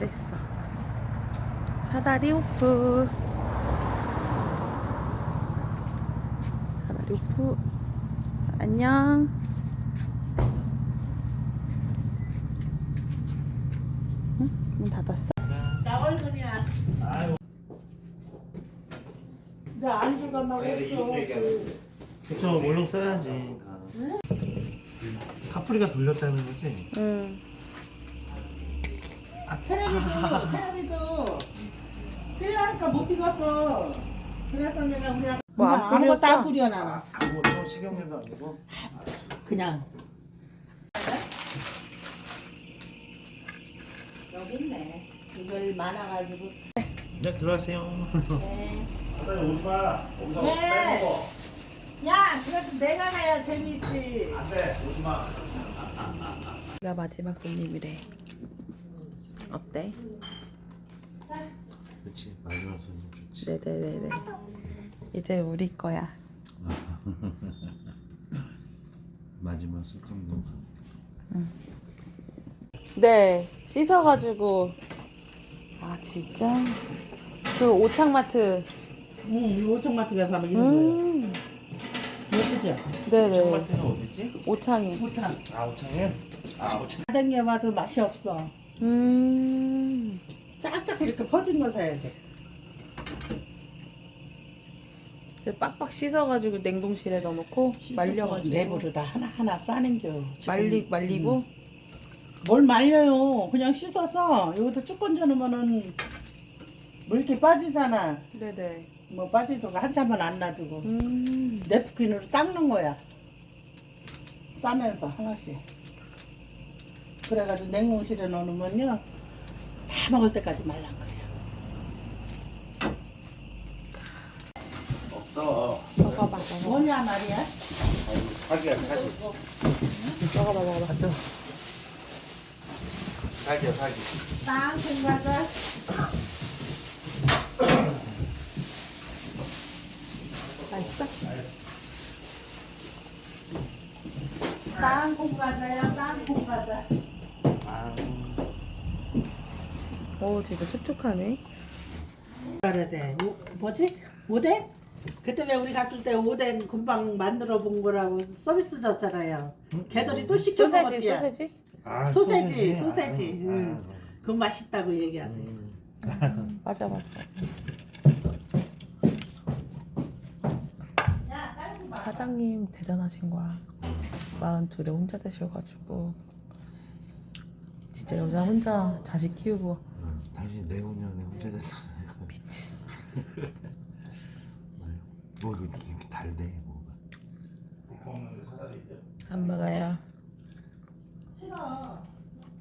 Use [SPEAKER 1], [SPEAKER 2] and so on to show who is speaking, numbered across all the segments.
[SPEAKER 1] 잘했어. 사다리 오프. 사다리 오프. 안녕. 응? 문 닫았어?
[SPEAKER 2] 나 얼굴이야.
[SPEAKER 3] 아유.
[SPEAKER 2] 이제 안주가 막 없어.
[SPEAKER 3] 그쵸, 물렁 써야지. 카프리가 돌렸다는 거지?
[SPEAKER 1] 응.
[SPEAKER 2] 테레비도 필라니까 못 익었어. 그래서 내가 우리가
[SPEAKER 1] 뭐안
[SPEAKER 2] 아무것도
[SPEAKER 1] 뿌렸어?
[SPEAKER 2] 안 뿌려 나는.
[SPEAKER 3] 아무것도 식용유도 아니고.
[SPEAKER 2] 그냥. 여기 있네. 이걸 많아가지고.
[SPEAKER 3] 네, 들어가세요.
[SPEAKER 2] 네.
[SPEAKER 3] 사장님 오지 마. 거기서
[SPEAKER 2] 네.
[SPEAKER 3] 빼먹어.
[SPEAKER 2] 야, 그래도 내가 가야 재밌지.
[SPEAKER 3] 안 돼, 오지 마.
[SPEAKER 1] 나 마지막 손님이래. 어때?
[SPEAKER 3] 그렇지, 마지막 손님 좋지.
[SPEAKER 1] 네네네네. 이제 우리 거야.
[SPEAKER 3] 마지막 손님.
[SPEAKER 1] 네, 씻어가지고. 아 진짜? 그 오창마트.
[SPEAKER 2] 응, 오천마트 가서 하면 이런 거예요. 예쁘죠?
[SPEAKER 1] 네네.
[SPEAKER 3] 청마트는 어딨지?
[SPEAKER 1] 오창이.
[SPEAKER 2] 오천.
[SPEAKER 3] 아, 오창에? 아, 오창.
[SPEAKER 2] 다른 게 봐도 맛이 없어. 쫙쫙 이렇게 퍼진 거 사야 돼.
[SPEAKER 1] 빡빡 씻어가지고 냉동실에 넣어놓고 말려가지고.
[SPEAKER 2] 내부로 다 하나하나 싸는겨.
[SPEAKER 1] 말리고.
[SPEAKER 2] 뭘 말려요. 그냥 씻어서 여기다 쭉 건져놓으면은 물기 빠지잖아.
[SPEAKER 1] 네네.
[SPEAKER 2] 뭐 빠지도록 한참만 안 놔두고 냅킨으로 닦는 거야. 싸면서 하나씩. 그래가지고 냉동실에 넣어놓으면요 다 먹을 때까지 말랑거려.
[SPEAKER 3] 없어.
[SPEAKER 1] 먹어봐.
[SPEAKER 2] 뭐냐 말이야?
[SPEAKER 3] 사기야, 사기.
[SPEAKER 1] 먹어봐.
[SPEAKER 3] 사기야, 사기.
[SPEAKER 2] 땅콩 과자.
[SPEAKER 1] 맛있어?
[SPEAKER 2] 땅콩 과자야, 땅콩 과자.
[SPEAKER 3] 아,
[SPEAKER 1] 오 진짜 촉촉하네.
[SPEAKER 2] 말해야 돼. 뭐지? 오뎅? 그때 왜 우리 갔을 때 오뎅 금방 만들어 본 거라고 서비스 줬잖아요. 걔들이 또 시켜 먹었대요.
[SPEAKER 1] 소세지?
[SPEAKER 3] 아,
[SPEAKER 2] 소세지. 응.
[SPEAKER 3] 아,
[SPEAKER 2] 그거 맛있다고 얘기하네.
[SPEAKER 1] 맞아. 사장님 대단하신 거야. 42에 혼자 되셔가지고 진짜 여자 혼자 자식 키우고
[SPEAKER 3] 당신 내후년에 혼자 된다고 생각.
[SPEAKER 1] 미치.
[SPEAKER 3] 뭐 이거 이렇게 달대 뭐가.
[SPEAKER 1] 안 먹어요.
[SPEAKER 2] 싫어.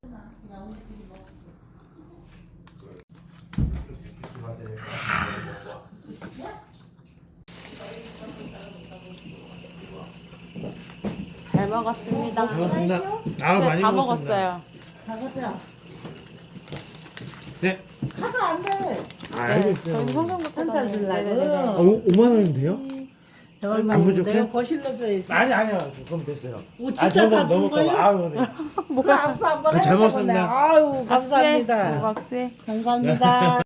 [SPEAKER 1] 잘 먹었습니다.
[SPEAKER 3] 고맙습니다. 아,
[SPEAKER 1] 네,
[SPEAKER 3] 많이
[SPEAKER 1] 다
[SPEAKER 3] 먹었습니다.
[SPEAKER 1] 먹었어요.
[SPEAKER 2] 가보자.
[SPEAKER 3] 네.
[SPEAKER 2] 가도 안 돼.
[SPEAKER 3] 아, 알고 있어요.
[SPEAKER 1] 저희 현금부터
[SPEAKER 2] 한잔 줄라고.
[SPEAKER 1] 네네네.
[SPEAKER 3] 5만 원인데요?
[SPEAKER 2] 얼마
[SPEAKER 3] 안 부족해?
[SPEAKER 2] 내가 거실로 줘야지.
[SPEAKER 3] 아니요. 그럼 됐어요.
[SPEAKER 2] 오, 진짜 다 준 거예요?
[SPEAKER 3] 아유, 네.
[SPEAKER 2] 뭐야? 악수 한번
[SPEAKER 3] 잘
[SPEAKER 2] 해보려고
[SPEAKER 3] 먹었습니다.
[SPEAKER 2] 그래. 아유, 감사합니다.
[SPEAKER 1] 박수해.
[SPEAKER 2] 감사합니다.